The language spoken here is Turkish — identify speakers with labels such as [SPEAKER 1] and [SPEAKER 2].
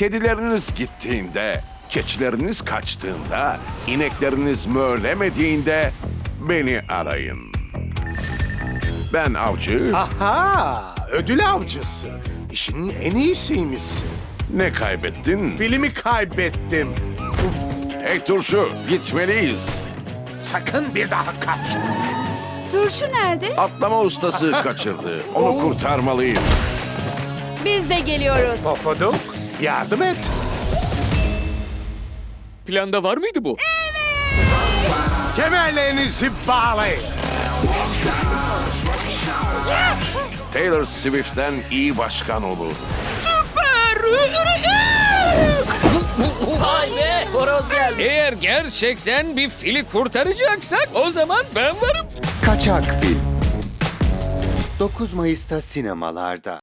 [SPEAKER 1] Kedileriniz gittiğinde, keçileriniz kaçtığında, inekleriniz mölemediğinde beni arayın. Ben avcı,
[SPEAKER 2] Aha, ödül avcısı. İşinin en iyisiymişsin.
[SPEAKER 1] ne kaybettin?
[SPEAKER 2] Filmi kaybettim.
[SPEAKER 1] Hey turşu, gitmeliyiz.
[SPEAKER 2] Sakın bir daha kaçma.
[SPEAKER 3] Turşu nerede?
[SPEAKER 1] Atlama ustası kaçırdı. Onu kurtarmalıyım.
[SPEAKER 3] Biz de geliyoruz.
[SPEAKER 2] Pofuduk, yardım et.
[SPEAKER 4] Planda var mıydı bu?
[SPEAKER 2] Kemerlerinizi bağlayın.
[SPEAKER 1] Taylor Swift'ten iyi başkan olur.
[SPEAKER 5] Vay be, horoz geldi.
[SPEAKER 4] Eğer gerçekten bir fili kurtaracaksak o zaman ben varım.
[SPEAKER 6] Kaçak Film 9 Mayıs'ta sinemalarda.